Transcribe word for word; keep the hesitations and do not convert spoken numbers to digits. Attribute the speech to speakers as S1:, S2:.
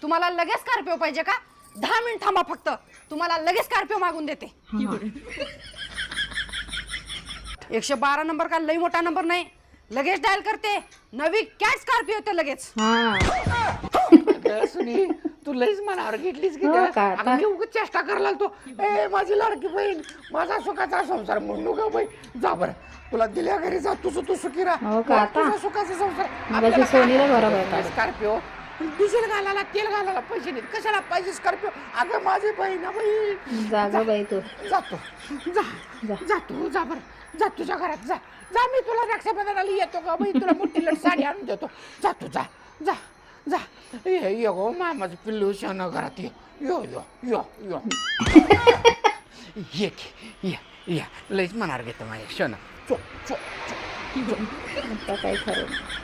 S1: तुम्हाला लगेच स्कॉर्पिओ पाहिजे का? दहा मिनिट थांबा फक्त, तुम्हाला लगेच स्कॉर्पिओ मागून देते. एकशे बारा नंबर का लई मोठा नंबर नाही, लगेच डायल करते. नवी कॅश स्कॉर्पिओ येते लगेच.
S2: सुनी तू लईच मनावर घेतलीस की
S3: हो
S2: गं?
S3: का?
S2: अगं मी उगाच चेष्टा करायला लागतो. ए माझी लाडकी बहीण, माझा सुखाचा संसार म्हणू का बाई? जा बरं, तुला दिल्या घरी जा, तुझं तू सुखी राहा.
S3: हो का? आता?
S2: तुझा सुखाचा संसार.
S3: मगाशी सोनीला बरोबर आहे.
S2: स्कॉर्पिओ डिझेल घालायला, तेल घालायला पैसे नाहीत, कशाला पाहिजे स्कॉर्पिओ? अगं माझी बहीण बाई.
S3: जागा बाई तू
S2: जातो, जा जा तू जा बरं, जा तुझ्या घरात जा. जा मी तुला रक्षाबंधनाला येतो का बाई, तुला मोठी लट साडी आणून देतो. जा तू जा जा जा. ये ये गो मामाचं पिल्लू शान घरात ये. यो यो यो यो ये की, ये ये लईच मनावर घेतो माझ्या शोना. चो चो चो
S3: आता काय खरं